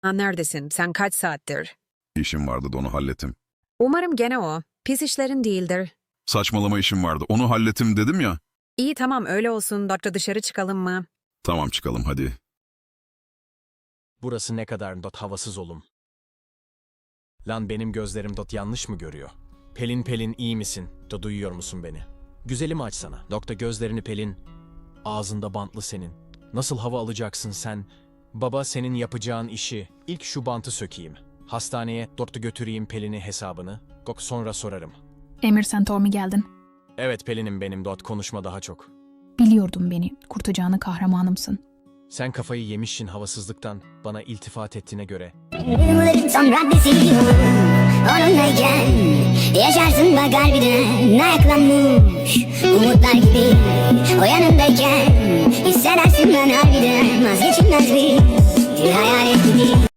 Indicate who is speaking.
Speaker 1: Neredesin? Sen kaç saattir?
Speaker 2: İşim vardı da onu hallettim.
Speaker 1: Umarım gene o. Pis işlerin değildir.
Speaker 2: Saçmalama işim vardı. Onu hallettim dedim ya.
Speaker 1: İyi tamam öyle olsun. Doktor dışarı çıkalım mı?
Speaker 2: Tamam çıkalım hadi.
Speaker 3: Burası ne kadar havasız olum. Lan benim gözlerim yanlış mı görüyor? Pelin iyi misin? Duyuyor musun beni? Güzelimi açsana. Gözlerini Pelin. Ağzında bantlı senin. Nasıl hava alacaksın sen? Baba senin yapacağın işi. İlk şu bantı sökeyim. Hastaneye götüreyim Pelin'i hesabını. Sonra sorarım.
Speaker 4: Emir sen Tommy geldin.
Speaker 3: Evet Pelin'im benim konuşma daha çok.
Speaker 4: Biliyordum beni. Kurtacağını kahramanımsın.
Speaker 3: Sen kafayı yemişsin havasızlıktan. Bana iltifat ettiğine göre.
Speaker 5: Yılların son raddesi onunlayken yaşarsın bak harbiden ayaklanmış umutlar gibi o yanındayken hissedersin ben harbiden vazgeçilmez bir hayalet gibi.